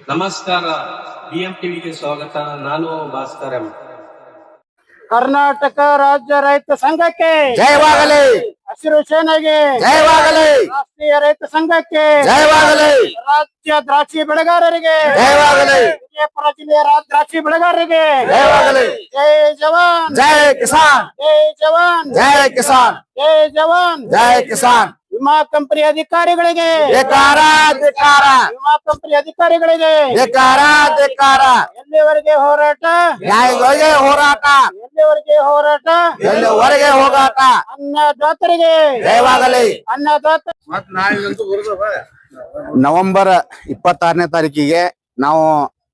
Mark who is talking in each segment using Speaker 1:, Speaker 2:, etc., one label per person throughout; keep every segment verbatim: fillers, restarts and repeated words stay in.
Speaker 1: ನಮಸ್ಕಾರ, ಬಿಎಂ ಟಿವಿಗೆ ಸ್ವಾಗತ. ನಾನು ಭಾಸ್ಕರ್ ಎಂ.
Speaker 2: ಕರ್ನಾಟಕ ರಾಜ್ಯ ರೈತ ಸಂಘಕ್ಕೆ
Speaker 3: ಜಯವಾಗಲಿ,
Speaker 2: ಹಸಿರು ಸೇನೆಗೆ
Speaker 3: ಜಯವಾಗಲಿ,
Speaker 2: ರಾಷ್ಟ್ರೀಯ ರೈತ ಸಂಘಕ್ಕೆ
Speaker 3: ಜಯವಾಗಲಿ,
Speaker 2: ರಾಜ್ಯ ದ್ರಾಕ್ಷಿ ಬೆಳೆಗಾರರಿಗೆ
Speaker 3: ಜಯವಾಗಲಿ,
Speaker 2: ವಿಜಯಪುರ ಜಿಲ್ಲೆಯ ರಾ- ದ್ರಾಕ್ಷಿ ಬೆಳೆಗಾರರಿಗೆ
Speaker 3: ಜಯವಾಗಲಿ.
Speaker 2: ಜೈ ಜವಾನ್,
Speaker 3: ಜೈ ಕಿಸಾನ್,
Speaker 2: ಜೈ ಜವಾನ್,
Speaker 3: ಜೈ ಕಿಸಾನ್,
Speaker 2: ಜೈ ಜವಾನ್.
Speaker 3: ಜೈ ಕಿಸಾನ್.
Speaker 2: ವಿಮಾ ಕಂಪನಿ ಅಧಿಕಾರಿಗಳಿಗೆ
Speaker 3: ಧಿಕ್ಕಾರ, ಧಿಕ್ಕಾರ,
Speaker 2: ವಿಮಾ ಕಂಪನಿ ಅಧಿಕಾರಿಗಳಿಗೆ
Speaker 3: ಧಿಕ್ಕಾರ, ಧಿಕ್ಕಾರ.
Speaker 2: ಎಲ್ಲಿವರೆಗೆ ಹೋರಾಟ,
Speaker 3: ನ್ಯಾಯಗಳಿಗೆ ಹೋರಾಟ,
Speaker 2: ಎಲ್ಲಿವರೆಗೆ ಹೋರಾಟ,
Speaker 3: ಎಲ್ಲಿವರೆಗೆ ಹೋರಾಟ.
Speaker 2: ಅನ್ನದಾತರಿಗೆ
Speaker 3: ಜಯವಾಗಲಿ.
Speaker 2: ಅನ್ನದಾತ
Speaker 3: ನವೆಂಬರ್ ಇಪ್ಪತ್ತಾರನೇ ತಾರೀಕಿಗೆ ನಾವು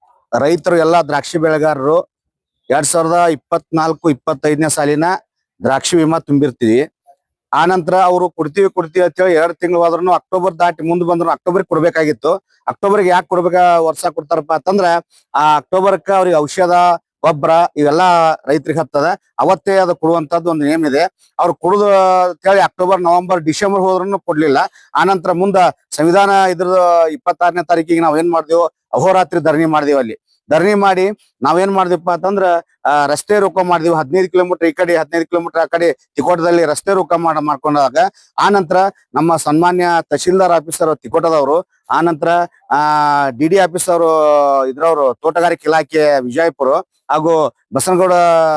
Speaker 3: ರೈತರು ಎಲ್ಲ ದ್ರಾಕ್ಷಿ ಬೆಳೆಗಾರರು ಎರಡ್ ಸಾವಿರದ ಇಪ್ಪತ್ನಾಲ್ಕು ಇಪ್ಪತ್ತೈದನೇ ಸಾಲಿನ ದ್ರಾಕ್ಷಿ ವಿಮಾ ತುಂಬಿರ್ತೀವಿ. ಆ ನಂತರ ಅವರು ಕೊಡ್ತೀವಿ ಕೊಡ್ತೀವಿ ಅಂತ ಹೇಳಿ ಎರಡ್ ತಿಂಗಳು ಆದ್ರೂ ಅಕ್ಟೋಬರ್ ದಾಟಿ ಮುಂದ್ ಬಂದ್ರು ಅಕ್ಟೋಬರ್ ಕೊಡ್ಬೇಕಾಗಿತ್ತು. ಅಕ್ಟೋಬರ್ಗೆ ಯಾಕೆ ಕೊಡ್ಬೇಕ ವರ್ಷ ಕೊಡ್ತಾರಪ್ಪ ಅಂತಂದ್ರ ಆ ಅಕ್ಟೋಬರ್ಕ ಅವ್ರಿಗೆ ಔಷಧ ಗೊಬ್ಬರ ಇವೆಲ್ಲಾ ರೈತರಿಗೆ ಹತ್ತದ, ಅವತ್ತೇ ಅದು ಕೊಡುವಂತದ್ದು ಒಂದು ನೇಮ್ ಇದೆ. ಅವ್ರು ಕೊಡುದು ಅಂತೇಳಿ ಅಕ್ಟೋಬರ್ ನವೆಂಬರ್ ಡಿಸೆಂಬರ್ ಹೋದ್ರೂ ಕೊಡ್ಲಿಲ್ಲ. ಆನಂತರ ಮುಂದ ಸಂವಿಧಾನ ಇದ್ರ ಇಪ್ಪತ್ತಾರನೇ ತಾರೀಕಿಗೆ ನಾವ್ ಏನ್ ಮಾಡ್ದೇವು, ಅಹೋರಾತ್ರಿ ಧರಣಿ ಮಾಡ್ದೇವು. ಅಲ್ಲಿ ಧರಣಿ ಮಾಡಿ ನಾವೇನ್ ಮಾಡಿದ್ವಿಪ್ಪ ಅಂತಂದ್ರ ಆ ರಸ್ತೆ ರೋಕ ಮಾಡಿದ್ವಿ. ಹದಿನೈದು ಕಿಲೋಮೀಟರ್ ಈ ಕಡೆ ಹದಿನೈದು ಕಿಲೋಮೀಟರ್ ಆ ಕಡೆ ತಿಕೋಟದಲ್ಲಿ ರಸ್ತೆ ರೋಕ ಮಾಡ ಮಾಡ್ಕೊಂಡಾಗ ಆ ನಂತರ ನಮ್ಮ ಸನ್ಮಾನ್ಯ ತಹಶೀಲ್ದಾರ್ ಆಫೀಸರ್ ತಿಕೋಟದವರು, ಆ ನಂತರ ಆ ಡಿ ಡಿ ಆಫೀಸರ್ ಇದ್ರವ್ರು ತೋಟಗಾರಿಕೆ ಇಲಾಖೆ ವಿಜಯಪುರ ಹಾಗೂ ಬಸನಗೌಡ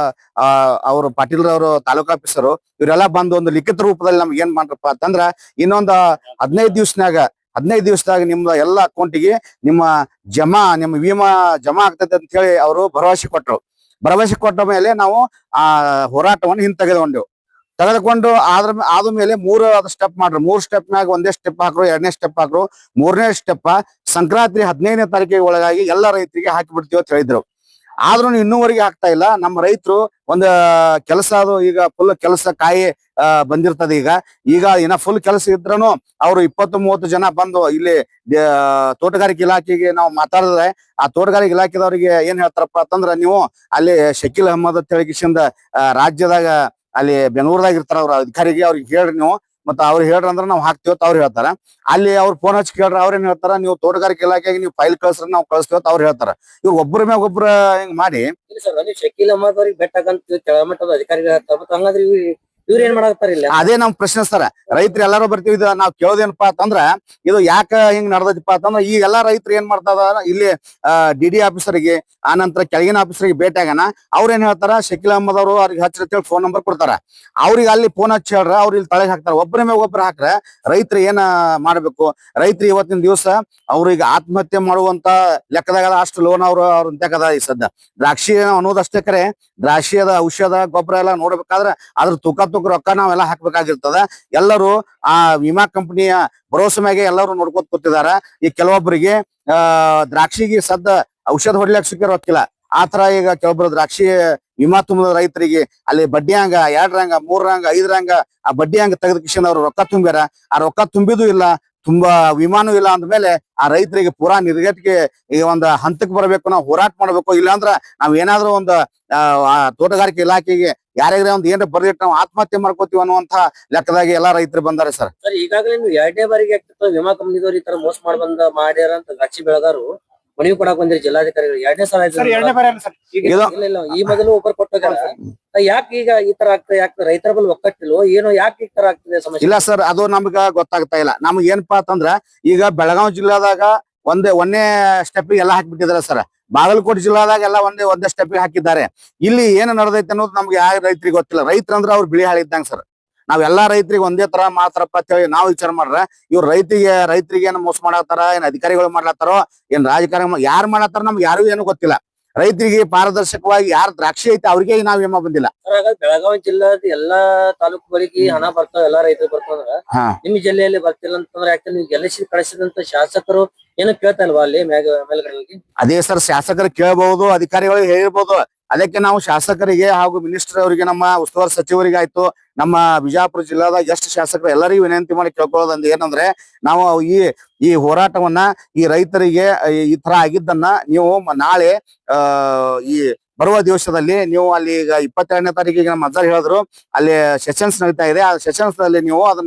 Speaker 3: ಆ ಅವರು ಪಾಟೀಲ್ರವರು ತಾಲೂಕು ಆಫೀಸರು ಇವರೆಲ್ಲ ಬಂದು ಒಂದು ಲಿಖಿತ ರೂಪದಲ್ಲಿ ನಮ್ಗೆ ಏನ್ ಮಾಡ್ರಪ್ಪ ಅಂತಂದ್ರ ಇನ್ನೊಂದು ಹದಿನೈದು ದಿವ್ಸನಾಗ ಹದಿನೈದು ದಿವಸದಾಗ ನಿಮ್ದ ಎಲ್ಲ ಅಕೌಂಟಿಗೆ ನಿಮ್ಮ ಜಮಾ ನಿಮ್ಮ ವಿಮಾ ಜಮಾ ಆಗ್ತದೆ ಅಂತ ಹೇಳಿ ಅವರು ಭರವಸೆ ಕೊಟ್ಟರು. ಭರವಸೆ ಕೊಟ್ಟ ಮೇಲೆ ನಾವು ಆ ಹೋರಾಟವನ್ನು ಹಿಂತೆಗೆದುಕೊಂಡೆವು. ತೆಗೆದುಕೊಂಡು ಆದ್ರ ಆದ್ಮೇಲೆ ಮೂರು ಸ್ಟೆಪ್ ಮಾಡ್ರು. ಮೂರ್ ಸ್ಟೆಪ್ ಮ್ಯಾಗ ಒಂದೇ ಸ್ಟೆಪ್ ಹಾಕ್ರು, ಎರಡನೇ ಸ್ಟೆಪ್ ಹಾಕ್ರು, ಮೂರನೇ ಸ್ಟೆಪ್ ಸಂಕ್ರಾಂತಿ ಹದಿನೈದನೇ ತಾರೀಕಿಗೆ ಒಳಗಾಗಿ ಎಲ್ಲ ರೈತರಿಗೆ ಹಾಕಿ ಬಿಡ್ತೀವಿ ಅಂತ ಹೇಳಿದ್ರು. ಆದ್ರೂ ಇನ್ನೂವರೆಗೆ ಆಗ್ತಾ ಇಲ್ಲ. ನಮ್ಮ ರೈತರು ಒಂದ್ ಕೆಲಸ ಅದು ಈಗ ಫುಲ್ ಕೆಲಸ ಕಾಯಿ ಆ ಬಂದಿರ್ತದೆ. ಈಗ ಈಗ ಇನ್ನ ಫುಲ್ ಕೆಲಸ ಇದ್ರನು ಅವ್ರು ಇಪ್ಪತ್ತು ಮೂವತ್ತು ಜನ ಬಂದು ಇಲ್ಲಿ ತೋಟಗಾರಿಕೆ ಇಲಾಖೆಗೆ ನಾವು ಮಾತಾಡಿದ್ರೆ ಆ ತೋಟಗಾರಿಕೆ ಇಲಾಖೆದವ್ರಿಗೆ ಏನ್ ಹೇಳ್ತಾರಪ್ಪ ಅಂತಂದ್ರ, ನೀವು ಅಲ್ಲಿ ಶಕೀಲ್ ಅಹಮದ್ ಅಂತ ಹೇಳಿ ರಾಜ್ಯದಾಗ ಅಲ್ಲಿ ಬೆಂಗಳೂರದಾಗ ಇರ್ತಾರ ಅವ್ರ ಅಧಿಕಾರಿಗೆ, ಅವ್ರಿಗೆ ಹೇಳ್ರಿ ನೀವು, ಮತ್ತ ಅವ್ರು ಹೇಳ್ರಿ ಅಂದ್ರೆ ನಾವು ಹಾಕ್ತಿವತ್ ಅವ್ರು ಹೇಳ್ತಾರ. ಅಲ್ಲಿ ಅವ್ರು ಫೋನ್ ಹಚ್ಚಿ ಕೇಳ್ರ ಅವ್ರೇನ್ ಹೇಳ್ತಾರ, ನೀವು ತೋಟಗಾರಿಕೆ ಇಲಾಖೆಗೆ ನೀವು ಫೈಲ್ ಕಳ್ಸ್ರ ನಾವು ಕಳಿಸ್ತೀವತ್ ಅವ್ರು ಹೇಳ್ತಾರ. ಇವ್ರು ಒಬ್ಬರ ಮ್ಯಾಗ ಒಬ್ರ ಹಿಂಗ್ ಮಾಡಿ
Speaker 4: ಶಕೀಲ್ ಅಹಮದ್ ಅವ್ರಿಗೆ ಬೆಟ್ಟಕಂತ ಕೆಳಮಟ್ಟದ ಅಧಿಕಾರಿಗಳು ಹೇಳ್ತಾರ. ಹಂಗಾದ್ರೆ ಇವ್ರ ಏನ್ ಮಾಡಾಕತ್ತಾರ ಇಲ್ಲ?
Speaker 3: ಅದೇ ನಮ್ ಪ್ರಶ್ನೆ ಸರ್. ರೈತರು ಎಲ್ಲಾರು ಬರ್ತೀವಿ, ಇದು ನಾವ್ ಕೇಳೋದೇನಪ್ಪಾ ಅಂತಂದ್ರ ಇದು ಯಾಕ ಹಿಂಗ್ ನಡ್ದೈತಿಪ್ಪ ಅಂತಂದ್ರ ಈ ಎಲ್ಲಾ ರೈತರು ಏನ್ ಮಾಡ್ತಾ ಇದಾರ, ಇಲ್ಲಿ ಡಿ ಡಿ ಆಫೀಸರ್ಗೆ ಆ ನಂತರ ಕೆಳಗಿನ ಆಫೀಸರ್ಗೆ ಭೇಟಿ ಆಗೋಣ. ಅವ್ರ ಏನ್ ಹೇಳ್ತಾರ, ಶಕೀಲ್ ಅಹಮದ್ ಅವರು ಅವ್ರಿಗೆ ಹಚ್ಚಿ ಫೋನ್ ನಂಬರ್ ಕೊಡ್ತಾರ. ಅವ್ರಿಗೆ ಅಲ್ಲಿ ಫೋನ್ ಹಚ್ಚಿ ಹೇಳ್ರ, ಅವ್ರು ಇಲ್ಲಿ ತಳಗ್ ಹಾಕ್ತಾರ. ಒಬ್ಬರ ಮೇಲೆ ಒಬ್ಬರ ಹಾಕ್ರ ರೈತರು ಏನ ಮಾಡ್ಬೇಕು? ರೈತರು ಇವತ್ತಿನ ದಿವಸ ಅವ್ರಿಗೆ ಆತ್ಮಹತ್ಯೆ ಮಾಡುವಂತ ಲೆಕ್ಕದಾಗ ಅಷ್ಟು ಲೋನ್ ಅವ್ರು ಅವ್ರ ತೆಗದ. ಈ ಸದ್ದ ದ್ರಾಕ್ಷಿ ಅನ್ನೋದಷ್ಟೇ ಕರೆ, ದ್ರಾಕ್ಷಿಯದ ಔಷಧ ಗೊಬ್ಬರ ಎಲ್ಲ ನೋಡ್ಬೇಕಾದ್ರ ಅದ್ರ ತೂಕ ತೂಕ ರೊಕ್ಕ ನಾವೆಲ್ಲ ಹಾಕ್ಬೇಕಾಗಿರ್ತದ. ಎಲ್ಲರೂ ಆ ವಿಮಾ ಕಂಪನಿಯ ಭರೋಸೆ ಮ್ಯಾಗೆ ಎಲ್ಲರೂ ನೋಡ್ಕೊತ ಕೂತಿದಾರ. ಈ ಕೆಲವೊಬ್ಬರಿಗೆ ಆ ದ್ರಾಕ್ಷಿಗೆ ಸದ್ದ ಔಷಧ ಹೊಡ್ಲಿಕ್ಕೆ ಸಿಕ್ಕ ರೊಕ್ಕಿಲ್ಲ. ಆತರ ಈಗ ಕೆಲವೊಬ್ರು ದ್ರಾಕ್ಷಿ ವಿಮಾ ತುಂಬಿದ ರೈತರಿಗೆ ಅಲ್ಲಿ ಬಡ್ಡಿ ಹಂಗ ಎರಡ್ರಂಗ ಮೂರ್ರಂಗ ಐದರಂಗ ಆ ಬಡ್ಡಿ ಹಂಗ ತೆಗೆದ ಕಿಶನ್ ಅವ್ರು ರೊಕ್ಕ ತುಂಬ್ಯಾರ. ಆ ರೊಕ್ಕ ತುಂಬಿದು ಇಲ್ಲ, ತುಂಬಾ ವಿಮಾನೂ ಇಲ್ಲ ಅಂದ್ಮೇಲೆ ಆ ರೈತರಿಗೆ ಪೂರಾ ನಿರ್ಗತಿಗೆ ಈ ಒಂದು ಹಂತಕ್ಕೆ ಬರಬೇಕು, ನಾವು ಹೋರಾಟ ಮಾಡ್ಬೇಕು. ಇಲ್ಲಾಂದ್ರ ನಾವ್ ಏನಾದ್ರೂ ಒಂದು ಆ ತೋಟಗಾರಿಕೆ ಇಲಾಖೆಗೆ ಯಾರ್ಯಾರ ಒಂದ್ ಏನಾರ ಬರ್ದಿಟ್ಟು ನಾವು ಆತ್ಮಹತ್ಯೆ ಮಾಡ್ಕೋತೀವಿ ಅನ್ನುವಂತ ಲೆಕ್ಕದಾಗಿ ಎಲ್ಲಾ ರೈತರು ಬಂದಾರೆ ಸರ್.
Speaker 4: ಸರ್, ಈಗಾಗಲೇ ನೀವು ಎರಡನೇ ಬಾರಿಗೆ ಆಗ್ತಿತ್ತು ವಿಮಾ ಕಂಪನಿದವ್ರು ಈ ತರ ಮೋಸ ಮಾಡಿ ಬಂದ ಮಾಡ್ಯಾರ ಅಂತ ದ್ರಾಕ್ಷಿ ಬೆಳೆಗಾರರು ಮನವಿ ಕೊಡಾಕ್ ಬಂದಿರಿ ಜಿಲ್ಲಾಧಿಕಾರಿಗಳು. ಎರಡನೇ ಸಲ ಆಯ್ತು.
Speaker 2: ಸರ್ ಎರಡನೇ ಬಾರಿ ಅಲ್ಲ ಸರ್,
Speaker 4: ಇಲ್ಲ ಇಲ್ಲ, ಈ ಮೊದಲು ಒಬ್ಬರು ಕೊಟ್ಟಾರ. ಯಾಕೆ ಈಗ ಈ ತರ ಆಗ್ತದೆ? ಯಾಕೆ ರೈತರ ಬಲ್ ಒಕ್ಕಟ್ಟಿಲ್ವೋ ಏನೋ, ಯಾಕೆ ಈ ತರ ಆಗ್ತದೆ ಸಮಸ್ಯೆ?
Speaker 3: ಇಲ್ಲ ಸರ್, ಅದು ನಮ್ಗ ಗೊತ್ತಾಗ್ತಾ ಇಲ್ಲ. ನಮ್ಗೆ ಏನಪ್ಪಾ ಅಂತಂದ್ರ ಈಗ ಬೆಳಗಾವಿ ಜಿಲ್ಲಾದಾಗ ಒಂದೇ ಒಂದೇ ಸ್ಟೆಪ್ ಎಲ್ಲ ಹಾಕಿಬಿಟ್ಟಿದಾರೆ ಸರ್. ಬಾಗಲಕೋಟೆ ಜಿಲ್ಲಾದಾಗ ಎಲ್ಲ ಒಂದೇ ಒಂದೇ ಸ್ಟೆಪ್ ಹಾಕಿದ್ದಾರೆ. ಇಲ್ಲಿ ಏನು ನಡೆದೈತೆ ಅನ್ನೋದು ನಮ್ಗೆ ಯಾವ ರೈತರಿಗೆ ಗೊತ್ತಿಲ್ಲ. ರೈತರಂದ್ರ ಅವ್ರು ಬಿಳಿ ಹಾಳಿದ್ದಂಗ ಸರ್. ನಾವೆಲ್ಲಾ ರೈತರಿಗೆ ಒಂದೇ ತರ ಮಾತ್ರಪ್ಪ ಅಂತ ಹೇಳಿ ನಾವು ವಿಚಾರ ಮಾಡ್ರ, ಇವ್ರು ರೈತರಿಗೆ ರೈತರಿಗೆ ಏನ್ ಮೋಸ ಮಾಡತ್ತಾರ, ಏನ್ ಅಧಿಕಾರಿಗಳು ಮಾಡ್ಲತ್ತಾರೋ, ಏನ್ ರಾಜಕಾರಣ ಯಾರು ಮಾಡತ್ತಾರ ನಮ್ಗೆ ಯಾರು ಏನು ಗೊತ್ತಿಲ್ಲ. ರೈತರಿಗೆ ಪಾರದರ್ಶಕವಾಗಿ ಯಾರು ದ್ರಾಕ್ಷಿ ಐತೆ ಅವ್ರಿಗೆ ನಾವ್ ವಿಮಾ ಬಂದಿಲ್ಲ.
Speaker 4: ಬೆಳಗಾವಿ ಜಿಲ್ಲಾದ ಎಲ್ಲಾ ತಾಲೂಕುಗಳಿಗೆ ಹಣ ಬರ್ತಾವ, ಎಲ್ಲಾ ರೈತರು ಬರ್ತಾವಂದ್ರ ನಿಮ್ ಜಿಲ್ಲೆಯಲ್ಲಿ ಬರ್ತಿಲ್ಲ ಅಂತಂದ್ರೆ ಯಾಕೆ ನೀವು ಗೆಲ್ಲಿಸಿ ಕಳಿಸಿದಂತ ಶಾಸಕರು ಏನು ಕೇಳ್ತಾ ಇಲ್ವಾ ಅಲ್ಲಿ ಮೇಲ್ಗಡೆ ಹೋಗಿ?
Speaker 3: ಅದೇ ಸರ್, ಶಾಸಕರು ಕೇಳಬಹುದು, ಅಧಿಕಾರಿಗಳು ಹೇಳಿರ್ಬೋದು. ಅದಕ್ಕೆ ನಾವು ಶಾಸಕರಿಗೆ ಹಾಗೂ ಮಿನಿಸ್ಟರ್ ಅವರಿಗೆ, ನಮ್ಮ ಉಸ್ತುವಾರಿ ಸಚಿವರಿಗೆ ಆಯ್ತು, ನಮ್ಮ ಬಿಜಾಪುರ ಜಿಲ್ಲಾದಾಗ ಎಷ್ಟು ಶಾಸಕರು ಎಲ್ಲರಿಗೂ ವಿನಂತಿ ಮಾಡಿ ಕೇಳ್ಕೊಳ್ಳೋದಂದ್ರೆ ಏನಂದ್ರೆ, ನಾವು ಈ ಈ ಹೋರಾಟವನ್ನ ಈ ರೈತರಿಗೆ ಈ ತರ ಆಗಿದ್ದನ್ನ ನೀವು ನಾಳೆ ಆ ಈ ಬರುವ ದಿವಸದಲ್ಲಿ ನೀವು ಅಲ್ಲಿ ಈಗ ಇಪ್ಪತ್ತೆರಡನೇ ತಾರೀಕಿಗೆ ನಮ್ಮ ಅಜ್ಜಾರ್ ಹೇಳಿದ್ರು ಅಲ್ಲಿ ಸೆಷನ್ಸ್ ನಡೀತಾ ಇದೆ. ಆ ಸೆಷನ್ಸ್ ಅಲ್ಲಿ ನೀವು ಅದನ್ನ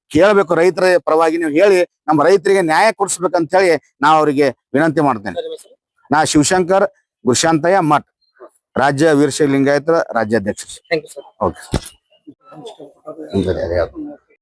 Speaker 3: ಕೇಳಬೇಕು. ರೈತರ ಪರವಾಗಿ ನೀವು ಹೇಳಿ ನಮ್ಮ ರೈತರಿಗೆ ನ್ಯಾಯ ಕೊಡಿಸ್ಬೇಕಂತ ಹೇಳಿ ನಾ ಅವರಿಗೆ ವಿನಂತಿ ಮಾಡ್ತೇನೆ. ನಾ ಶಿವಶಂಕರ್ ಗುರುಶಾಂತಯ್ಯ ಮಠ್, ರಾಜ್ಯ ವೀರಶೈವ ಲಿಂಗಾಯತರ ರಾಜ್ಯಾಧ್ಯಕ್ಷ.
Speaker 4: Thank you sir.
Speaker 3: ಓಕೆ.